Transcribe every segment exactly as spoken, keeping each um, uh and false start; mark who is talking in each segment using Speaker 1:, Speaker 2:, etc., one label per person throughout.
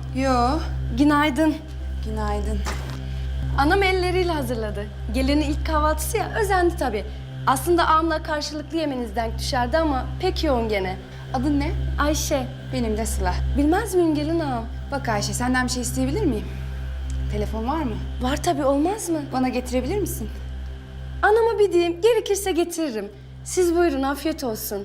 Speaker 1: Yo.
Speaker 2: Günaydın.
Speaker 1: Günaydın.
Speaker 2: Anam elleriyle hazırladı. Gelinin ilk kahvaltısı ya, özendi tabii. Aslında ağamla karşılıklı yemeniz denk düşerdi ama pek yoğun gene.
Speaker 1: Adın ne?
Speaker 2: Ayşe.
Speaker 1: Benim de Sıla.
Speaker 2: Bilmez miyim gelin ağam?
Speaker 1: Bak Ayşe, senden bir şey isteyebilir miyim? Telefon var mı?
Speaker 2: Var tabii, olmaz mı?
Speaker 1: Bana getirebilir misin?
Speaker 2: Anama bir diyeyim, gerekirse getiririm. Siz buyurun, afiyet olsun.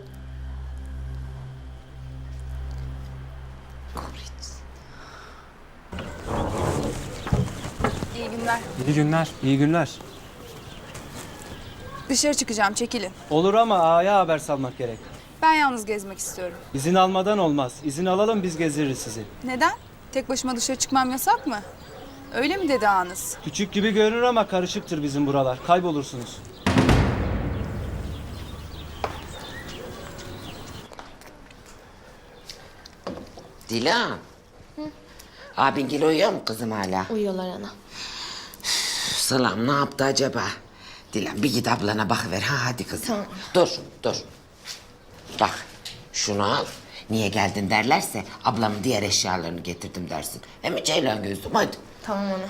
Speaker 1: İyi günler.
Speaker 3: İyi günler, iyi günler.
Speaker 1: Dışarı çıkacağım, çekilin.
Speaker 3: Olur ama ağaya haber salmak gerek.
Speaker 1: Ben yalnız gezmek istiyorum.
Speaker 3: İzin almadan olmaz. İzin alalım, biz gezdiririz sizi.
Speaker 1: Neden? Tek başıma dışarı çıkmam yasak mı? Öyle mi dedi ağanız?
Speaker 3: Küçük gibi görünür ama karışıktır bizim buralar. Kaybolursunuz.
Speaker 4: Dilan. Abingil uyuyor mu kızım hala?
Speaker 5: Uyuyorlar ana.
Speaker 4: Sılam ne yaptı acaba? Dilan bir git ablana bakıver. Ha hadi kızım.
Speaker 5: Tamam.
Speaker 4: Dur dur. Bak şunu al. Niye geldin derlerse ablamın diğer eşyalarını getirdim dersin. Hem Ceylan gözlüm hadi.
Speaker 5: Tamam ana.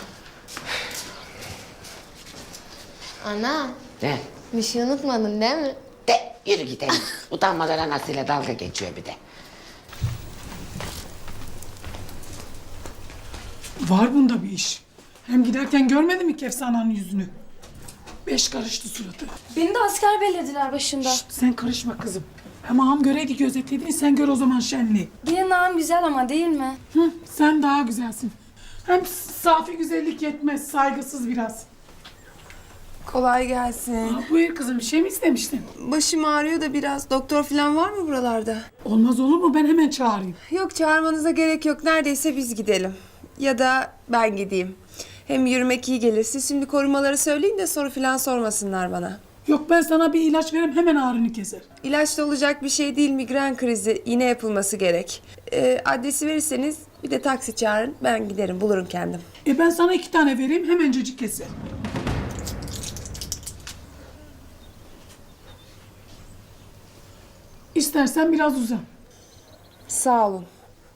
Speaker 5: Ana,
Speaker 4: De.
Speaker 5: bir şey unutmadın değil mi?
Speaker 4: De yürü gidelim. Utanmadan anasıyla dalga geçiyor bir de.
Speaker 6: Var bunda bir iş. Hem giderken görmedin mi Kefsana'nın yüzünü? Beş karıştı suratı.
Speaker 2: Beni de asker bellediler başında.
Speaker 6: Şşt, sen karışma kızım. Hem ağam göreydi gözetlediğini, sen gör o zaman şenliği.
Speaker 2: Gelin ağam güzel ama değil mi?
Speaker 6: Hı, sen daha güzelsin. Hem safi güzellik yetmez, saygısız biraz.
Speaker 1: Kolay gelsin.
Speaker 6: Aa, buyur kızım, bir şey mi istemiştin?
Speaker 1: Başım ağrıyor da biraz. Doktor falan var mı buralarda?
Speaker 6: Olmaz olur mu? Ben hemen çağırayım.
Speaker 1: Yok, çağırmanıza gerek yok. Neredeyse biz gidelim. Ya da ben gideyim. Hem yürümek iyi gelir. Siz şimdi korumaları söyleyin de soru falan sormasınlar bana.
Speaker 6: Yok, ben sana bir ilaç veririm, hemen ağrını keser.
Speaker 1: İlaçla olacak bir şey değil, migren krizi. Yine yapılması gerek. Ee, adresi verirseniz bir de taksi çağırın. Ben giderim, bulurum kendim.
Speaker 6: E ben sana iki tane vereyim, hemencecik keser. İstersen biraz uzan.
Speaker 1: Sağ olun.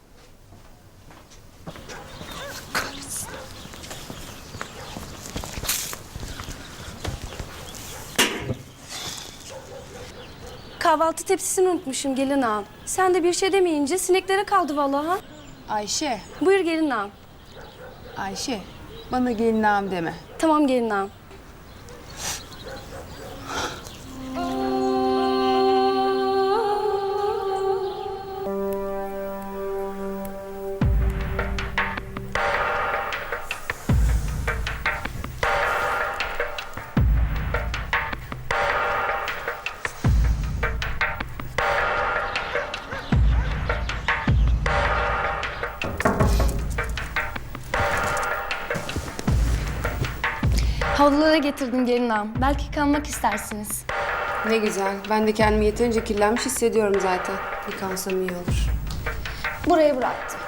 Speaker 2: Kahvaltı tepsisini unutmuşum gelin ağam. Sen de bir şey demeyince sineklere kaldı vallahi. Ha?
Speaker 1: Ayşe,
Speaker 2: Buyur gelin ağam.
Speaker 1: Ayşe. Bana gelin ağam deme.
Speaker 2: Tamam gelin ağam. Havlulara getirdim gelin ağam. Belki kalmak istersiniz.
Speaker 1: Ne güzel. Ben de kendimi yeterince kirlenmiş hissediyorum zaten. Yıkansam iyi olur.
Speaker 2: Buraya bıraktım.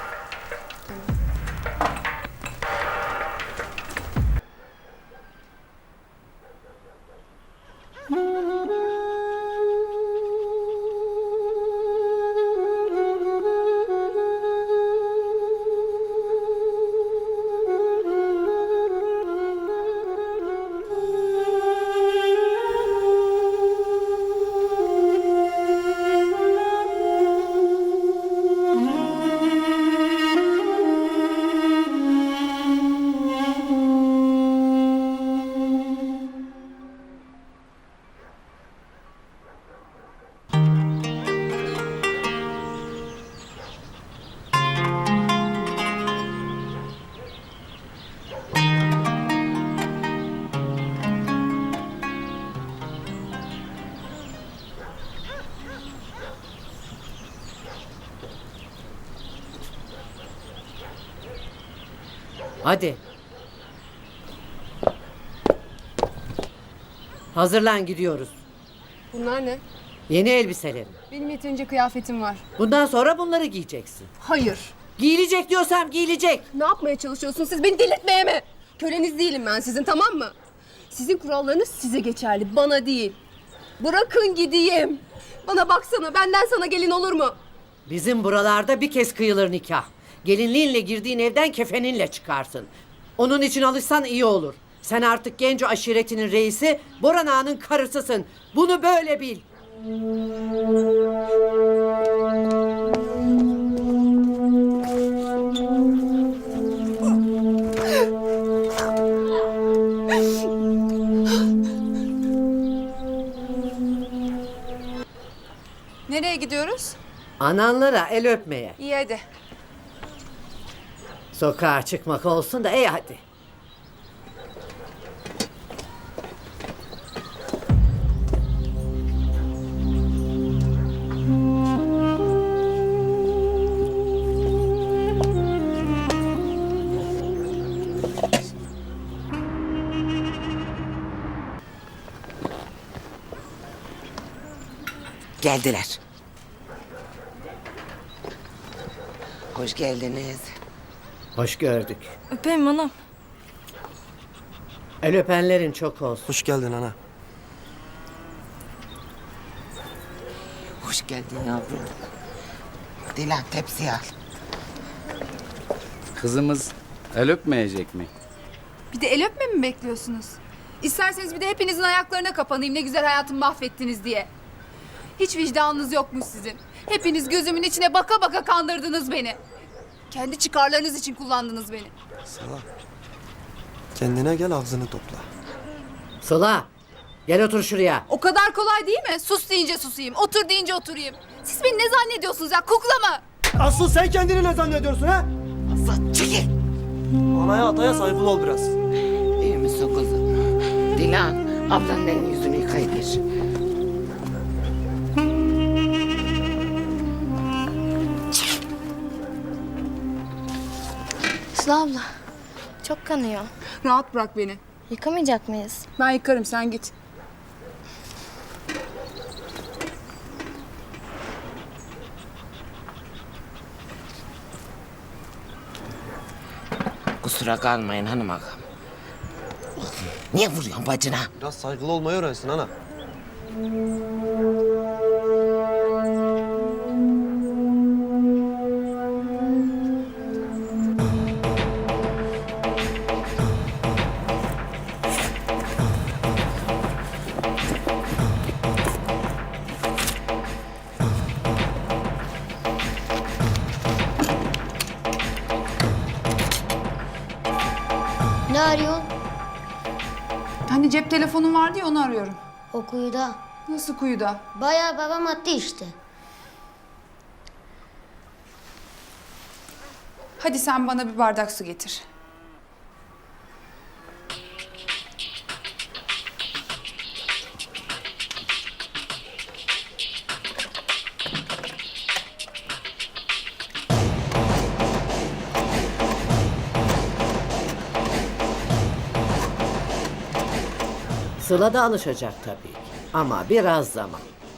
Speaker 7: Hadi. Hazırlan gidiyoruz.
Speaker 1: Bunlar ne?
Speaker 7: Yeni elbiselerim.
Speaker 1: Benim yeterince kıyafetim var.
Speaker 7: Bundan sonra bunları giyeceksin.
Speaker 1: Hayır.
Speaker 7: Giyilecek diyorsam giyilecek.
Speaker 1: Ne yapmaya çalışıyorsun siz? Beni delirtmeye mi? Köleniz değilim ben sizin, tamam mı? Sizin kurallarınız size geçerli, bana değil. Bırakın gideyim. Bana baksana, benden sana gelin olur mu?
Speaker 7: Bizim buralarda bir kez kıyılır nikah. Gelinliğinle girdiğin evden kefeninle çıkarsın. Onun için alışsan iyi olur. Sen artık Genco aşiretinin reisi, Boran Ağa'nın karısısın. Bunu böyle bil.
Speaker 1: Nereye gidiyoruz?
Speaker 7: Ananlara el öpmeye.
Speaker 1: İyi hadi.
Speaker 7: Sokağa çıkmak olsun da ey hadi.
Speaker 4: Geldiler. Hoş geldiniz.
Speaker 7: Hoş gördük.
Speaker 2: Öpeyim anam.
Speaker 7: El öpenlerin çok olsun.
Speaker 8: Hoş geldin ana.
Speaker 4: Hoş geldin yavrum. Dilan tepsiyi al.
Speaker 9: Kızımız el öpmeyecek mi?
Speaker 10: Bir de el öpme mi bekliyorsunuz? İsterseniz bir de hepinizin ayaklarına kapanayım ne güzel hayatımı mahvettiniz diye. Hiç vicdanınız yokmuş sizin. Hepiniz gözümün içine baka baka kandırdınız beni. Kendi çıkarlarınız için kullandınız beni.
Speaker 8: Sıla. Kendine gel, ağzını topla.
Speaker 7: Sıla, gel otur şuraya.
Speaker 10: O kadar kolay değil mi? Sus deyince susayım, otur deyince oturayım. Siz beni ne zannediyorsunuz ya, kukla mı?
Speaker 8: Asıl sen kendini ne zannediyorsun ha?
Speaker 4: Azat çekil.
Speaker 8: Anaya ataya saygılı ol biraz.
Speaker 4: İyi misin kızım? Dilan ablanın elini yüzünü yıkayıver.
Speaker 5: Sıla abla. Çok kanıyor.
Speaker 10: Rahat bırak beni.
Speaker 5: Yıkamayacak mıyız?
Speaker 10: Ben yıkarım, sen git.
Speaker 4: Kusura kalmayın hanım ağam. Niye vuruyorsun bacına?
Speaker 8: Biraz saygılı olmayı öğrensin ana.
Speaker 5: Ne arıyorsun?
Speaker 10: Hani cep telefonun vardı ya, onu arıyorum.
Speaker 5: O kuyuda.
Speaker 10: Nasıl kuyuda?
Speaker 5: Bayağı babam attı işte.
Speaker 10: Hadi sen bana bir bardak su getir.
Speaker 7: Sıla da alışacak tabii ki. Ama biraz zaman.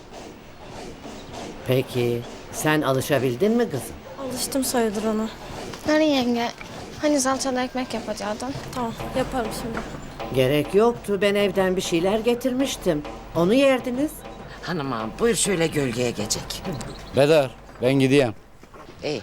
Speaker 7: Peki sen alışabildin mi kızım?
Speaker 2: Alıştım sayılır ona.
Speaker 5: Nari yenge? Hani salçalı ekmek yapacaktın?
Speaker 2: Tamam yaparım şimdi.
Speaker 7: Gerek yoktu. Ben evden bir şeyler getirmiştim. Onu yerdiniz.
Speaker 4: Hanım ağam buyur şöyle gölgeye geçecek.
Speaker 9: Bedar, ben gideyim.
Speaker 4: İyi.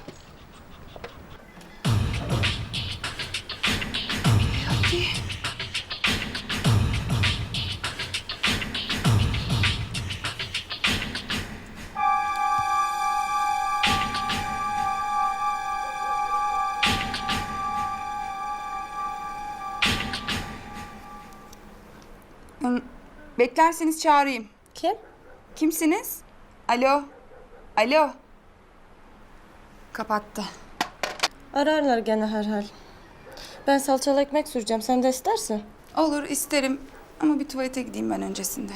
Speaker 10: Beklerseniz çağırayım.
Speaker 2: Kim?
Speaker 10: Kimsiniz? Alo? Alo? Kapattı.
Speaker 2: Ararlar gene herhal. Ben salçalı ekmek süreceğim. Sen de istersin.
Speaker 10: Olur, isterim. Ama bir tuvalete gideyim ben öncesinde.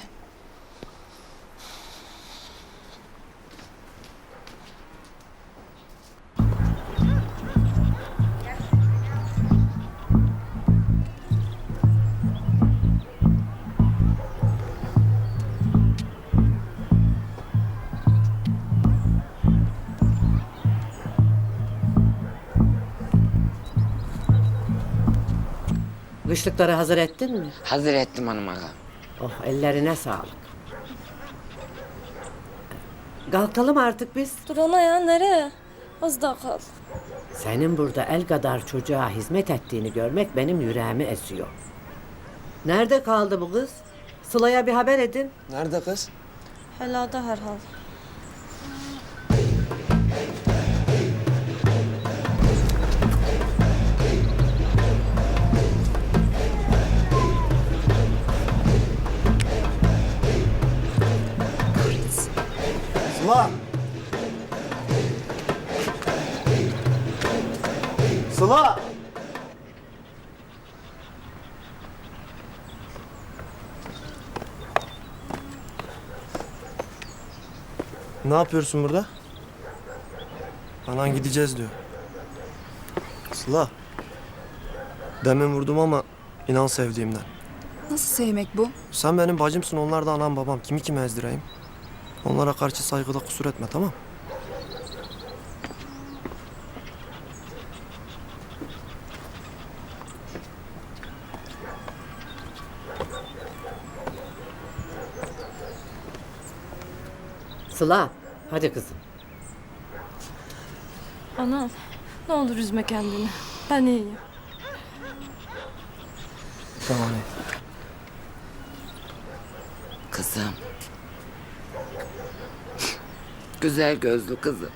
Speaker 7: Kışlıkları hazır ettin mi?
Speaker 4: Hazır ettim hanım ağam.
Speaker 7: Oh ellerine sağlık. Kalkalım artık biz.
Speaker 2: Dur ana ya nereye? Az daha kal.
Speaker 7: Senin burada el kadar çocuğa hizmet ettiğini görmek benim yüreğimi esiyor. Nerede kaldı bu kız? Sıla'ya bir haber edin.
Speaker 8: Nerede kız?
Speaker 5: Helada herhal.
Speaker 8: Sıla! Sıla! Ne yapıyorsun burada? Anan gideceğiz diyor. Sıla. Demin vurdum ama inan sevdiğimden.
Speaker 10: Nasıl sevmek bu?
Speaker 8: Sen benim bacımsın, onlar da anam babam. Kimi kime ezdireyim? Onlara karşı saygıda kusur etme, tamam?
Speaker 7: Sıla, hadi kızım.
Speaker 2: Ana, ne olur üzme kendini. Ben iyiyim.
Speaker 8: Tamam.
Speaker 4: Kızım. Güzel gözlü kızım.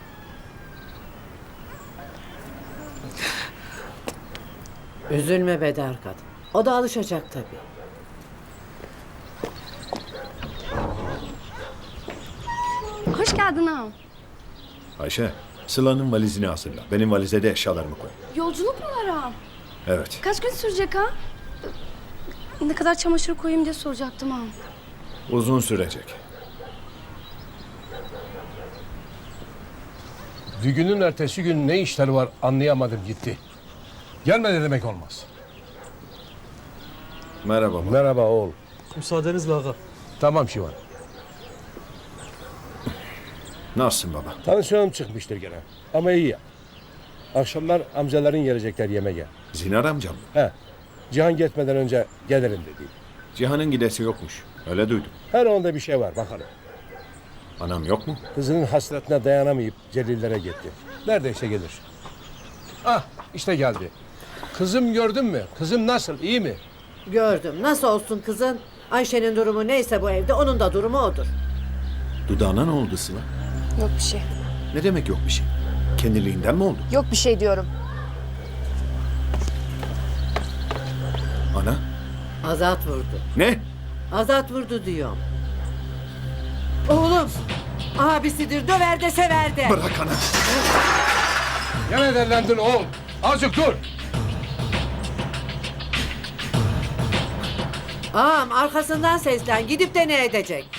Speaker 7: Üzülme Bedar kadın. O da alışacak tabii.
Speaker 2: Hoş geldin ağam.
Speaker 11: Ayşe, Sıla'nın valizini hazırla. Benim valize de eşyalarımı koy.
Speaker 2: Yolculuk mu var ağam?
Speaker 11: Evet.
Speaker 2: Kaç gün sürecek ha? Ne kadar çamaşır koyayım diye soracaktım ağam.
Speaker 11: Uzun sürecek.
Speaker 12: Düğünün ertesi gün ne işleri var anlayamadım gitti. Gelmedi demek olmaz.
Speaker 11: Merhaba baba.
Speaker 12: Merhaba oğul.
Speaker 8: Müsaadenizle ağa.
Speaker 12: Tamam Şivan.
Speaker 11: Nasılsın baba?
Speaker 12: Tansiyonum çıkmıştır gene. Ama iyi ya. Akşamlar amcaların gelecekler yemeğe.
Speaker 11: Zinar amcam mı?
Speaker 12: He. Cihan gitmeden önce gelirim dedi.
Speaker 11: Cihan'ın gidesi yokmuş. Öyle duydum.
Speaker 12: Her onda bir şey var bakalım.
Speaker 11: Anam yok mu?
Speaker 12: Kızının hasretine dayanamayıp Celillere gitti. Neredeyse gelir. Ah işte geldi. Kızım gördün mü? Kızım nasıl? İyi mi?
Speaker 7: Gördüm. Nasıl olsun kızın? Ayşe'nin durumu neyse bu evde onun da durumu odur.
Speaker 11: Dudağına ne oldu Sıla?
Speaker 10: Yok bir şey.
Speaker 11: Ne demek yok bir şey? Kendiliğinden mi oldu?
Speaker 10: Yok bir şey diyorum.
Speaker 11: Ana?
Speaker 7: Azat vurdu.
Speaker 11: Ne?
Speaker 7: Azat vurdu diyorum. Oğlum. Abisidir. Döver de sever de.
Speaker 11: Bırak ana.
Speaker 12: Gene derlendin oğul. Azıcık dur.
Speaker 7: Ağam arkasından seslen. Gidip de ne edecek?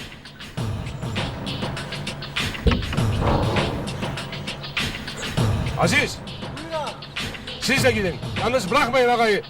Speaker 12: Aziz. Siz de gidin. Yalnız bırakmayın ağayı.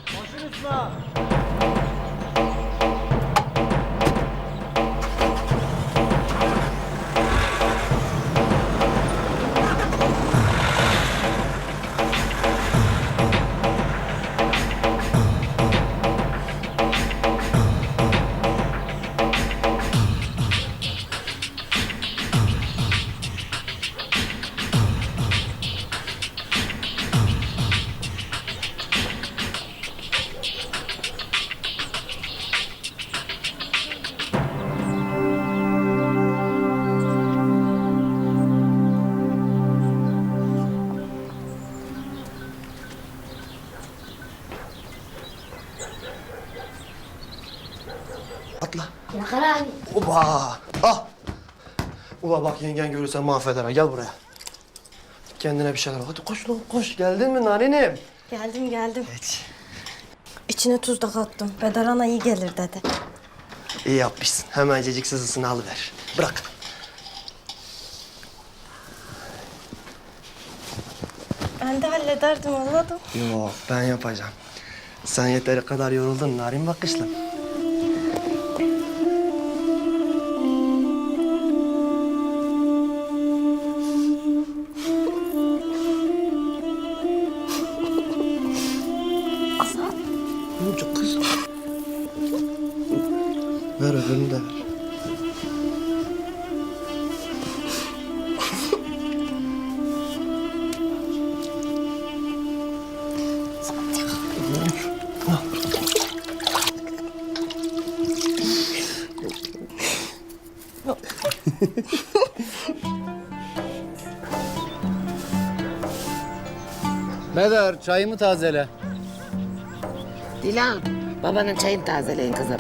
Speaker 8: Atla. Oba! Ah! Ula bak yengen görürse mahveder ha. Gel buraya. Kendine bir şeyler bak. Hadi koş lan koş. Geldin mi narinim?
Speaker 5: Geldim geldim.
Speaker 8: Evet.
Speaker 5: İçine tuz da kattım. Bedar ana iyi gelir dedi.
Speaker 8: İyi yapmışsın. Hemencecik sızısını alıver. Bırak.
Speaker 5: Ben de hallederdim anladım.
Speaker 8: Yok ben yapacağım. Sen yeteri kadar yoruldun narin bakışlı.
Speaker 5: Azat.
Speaker 8: Ne olacak kız? Ver öbürünü de ver.
Speaker 9: Bedar çayımı tazele.
Speaker 4: Dilan, babanın çayını tazeleyin kızım.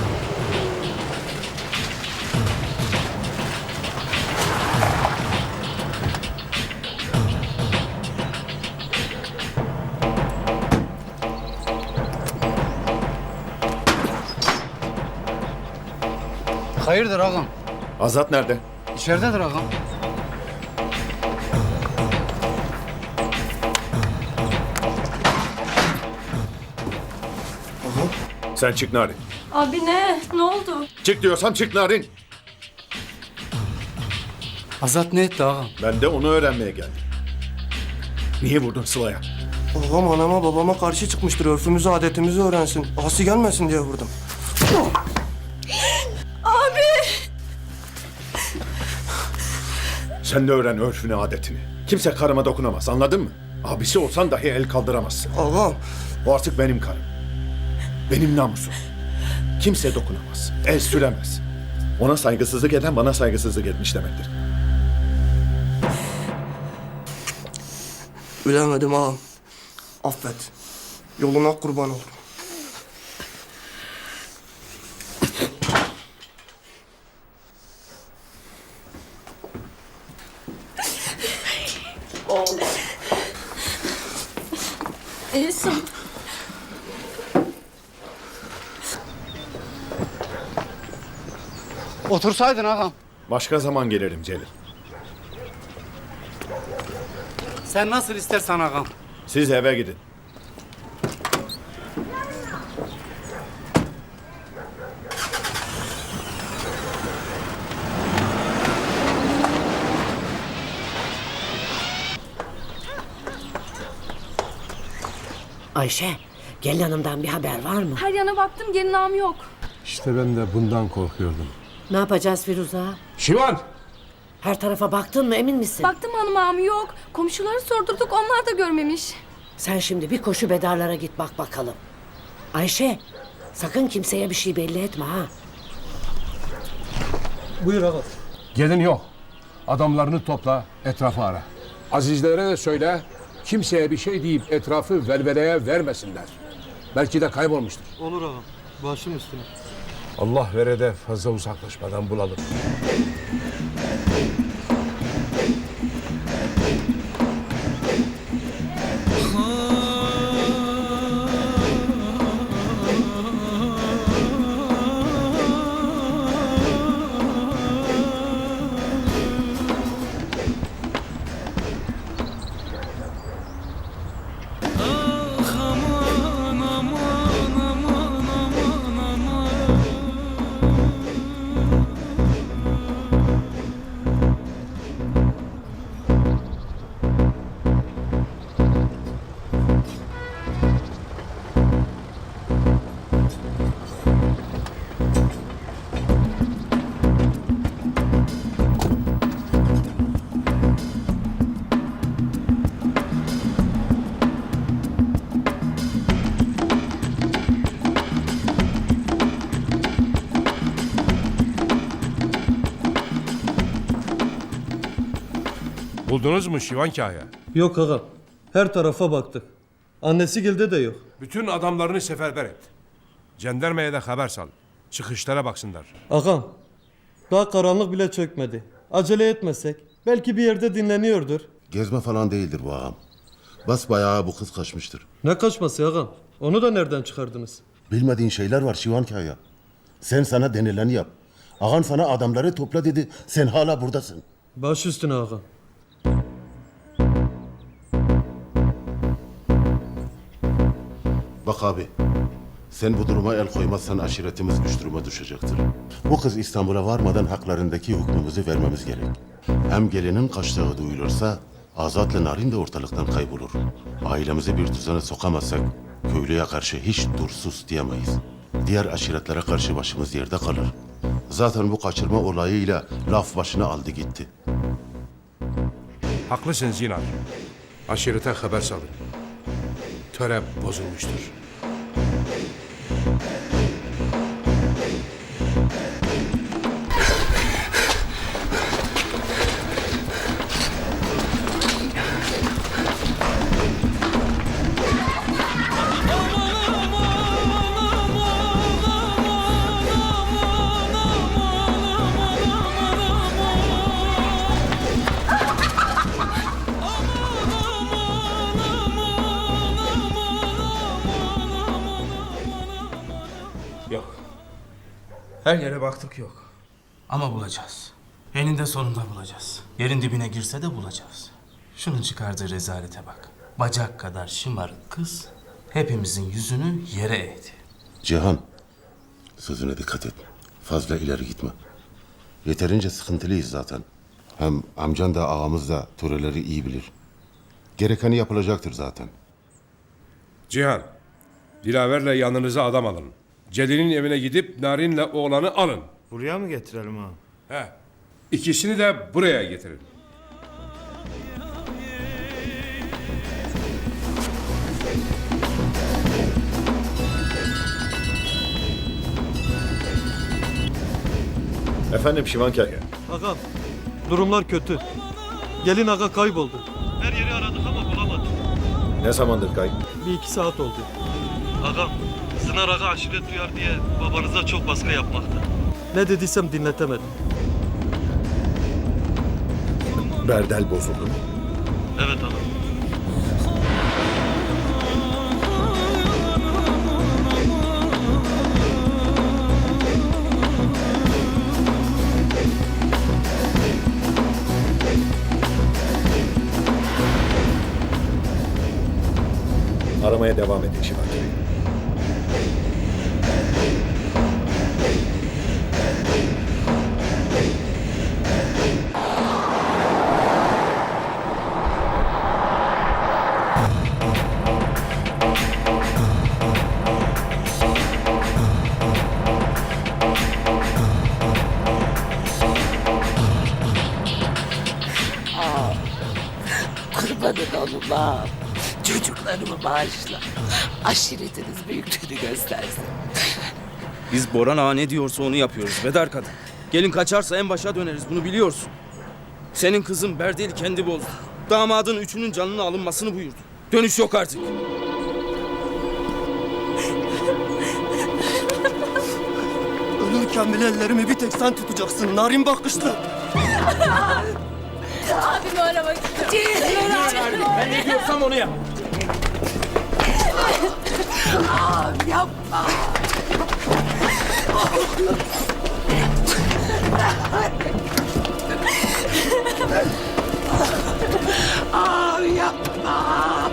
Speaker 9: Hayırdır ağam?
Speaker 11: Azat nerede?
Speaker 9: İçeridedir ağam.
Speaker 11: Sen çık Narin.
Speaker 2: Abi ne? Ne oldu?
Speaker 11: Çık diyorsam çık Narin.
Speaker 9: Azat ne etti ağam?
Speaker 11: Ben de onu öğrenmeye geldim. Niye vurdun Sıla'ya?
Speaker 8: Babam anama babama karşı çıkmıştır. Örfümüzü adetimizi öğrensin. Asi gelmesin diye vurdum.
Speaker 11: Sen de öğren örfünü adetini. Kimse karıma dokunamaz, anladın mı? Abisi olsan dahi el kaldıramazsın.
Speaker 8: Ağam.
Speaker 11: O artık benim karım. Benim namusum. Kimse dokunamaz, el süremez. Ona saygısızlık eden bana saygısızlık etmiş demektir.
Speaker 8: Bilemedim ağam. Affet. Yoluna kurban olurum.
Speaker 2: İyisin.
Speaker 9: Otursaydın ağam.
Speaker 11: Başka zaman gelirim Celil.
Speaker 9: Sen nasıl istersen ağam.
Speaker 11: Siz eve gidin.
Speaker 7: Ayşe, gelin hanımdan bir haber var mı?
Speaker 2: Her yana baktım gelin ağam yok.
Speaker 12: İşte ben de bundan korkuyordum.
Speaker 7: Ne yapacağız Firuze?
Speaker 12: Şivan!
Speaker 7: Her tarafa baktın mı, emin misin?
Speaker 2: Baktım hanım ağam yok. Komşuları sordurduk onlar da görmemiş.
Speaker 7: Sen şimdi bir koşu Bedarlara git bak bakalım. Ayşe, sakın kimseye bir şey belli etme ha.
Speaker 12: Buyur ağam. Gelin yok. Adamlarını topla, etrafı ara. Azizlere de söyle, kimseye bir şey deyip etrafı velveleye vermesinler. Belki de kaybolmuştur.
Speaker 3: Olur ağam. Başım üstüne.
Speaker 12: Allah vere de fazla uzaklaşmadan bulalım. Buldunuz mu Şivan Kaya?
Speaker 3: Yok ağam. Her tarafa baktık. Annesi gilde de yok.
Speaker 12: Bütün adamlarını seferber et. Jandarmaya da haber sal. Çıkışlara baksınlar.
Speaker 3: Ağam, daha karanlık bile çökmedi. Acele etmesek belki bir yerde dinleniyordur.
Speaker 13: Gezme falan değildir bu ağam. Basbayağı bu kız kaçmıştır.
Speaker 3: Ne kaçması ağam? Onu da nereden çıkardınız?
Speaker 13: Bilmediğin şeyler var Şivan Kaya. Sen sana denileni yap. Ağan sana adamları topla dedi. Sen hala buradasın.
Speaker 3: Baş üstüne ağam.
Speaker 13: Bak abi. Sen bu duruma el koymazsan aşiretimiz güç duruma düşecektir. Bu kız İstanbul'a varmadan haklarındaki hükmümüzü vermemiz gerek. Hem gelinin kaçtığı duyulursa Azat'la Narin de ortalıktan kaybolur. Ailemizi bir düzene sokamazsak köylüye karşı hiç dursuz diyemeyiz. Diğer aşiretlere karşı başımız yerde kalır. Zaten bu kaçırma olayıyla laf başına aldı gitti.
Speaker 12: Haklısın Zinar. Aşirete haber salın. Töre bozulmuştur.
Speaker 14: Her yere baktık yok. Ama bulacağız. Eninde sonunda bulacağız. Yerin dibine girse de bulacağız. Şunun çıkardığı rezalete bak. Bacak kadar şımarık kız hepimizin yüzünü yere eğdi.
Speaker 13: Cihan, sözüne dikkat et. Fazla ileri gitme. Yeterince sıkıntılıyız zaten. Hem amcan da ağamız da töreleri iyi bilir. Gerekeni yapılacaktır zaten.
Speaker 12: Cihan, Dilaver'le yanınıza adam alın. Celil'in evine gidip Narin'le oğlanı alın.
Speaker 9: Buraya mı getirelim ha?
Speaker 12: He. İkisini de buraya getirin.
Speaker 11: Efendim Şivanker.
Speaker 3: Ağam, durumlar kötü. Gelin ağa kayboldu. Her yeri aradık ama bulamadık.
Speaker 11: Ne zamandır kayıp?
Speaker 3: Bir iki saat oldu. Ağam, Sınar ağa aşiret duyar diye babanıza çok baskı yapmakta. Ne dediysem dinletemedim.
Speaker 11: Berdel bozuldu mu?
Speaker 3: Evet ağam.
Speaker 11: Aramaya devam edin Şivanker.
Speaker 4: Kurbanın olum ağam. Çocuklarımı bağışla. Aşiretiniz büyüklüğünü göstersin.
Speaker 14: Biz Boran ağa ne diyorsa onu yapıyoruz Bedar kadın. Gelin kaçarsa en başa döneriz, bunu biliyorsun. Senin kızın Berdel'i kendi bozdu. Damadın üçünün canının alınmasını buyurdu. Dönüş yok artık.
Speaker 8: Ölürken bile ellerimi bir tek sen tutacaksın. Narin bakışlı.
Speaker 5: Abimi aramak istiyorum.
Speaker 14: Ben ne diyorsam onu yap.
Speaker 4: Ağam yapma. Ağam yapma.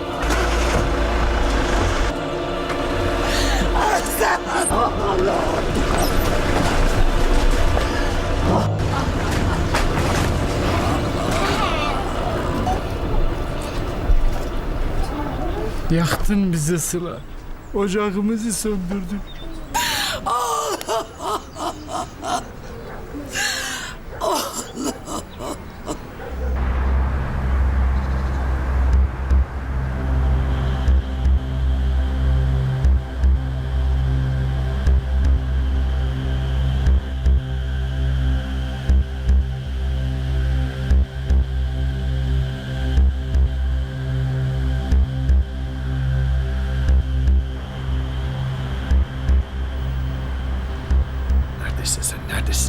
Speaker 4: Sen
Speaker 9: Yaktın bizi Sıla. Ocağımızı söndürdün.
Speaker 11: Neredesin sen? Neredesin?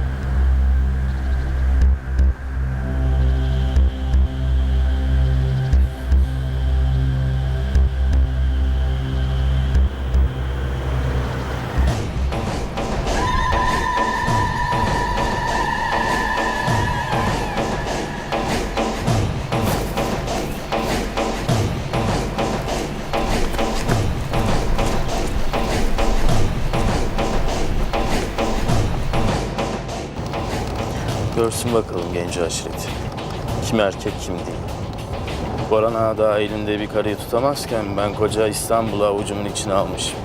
Speaker 14: Görsün bakalım genci aşireti. Kim erkek kim değil. Boran ağa da elinde bir karıyı tutamazken ben koca İstanbul'u avucumun içine almışım.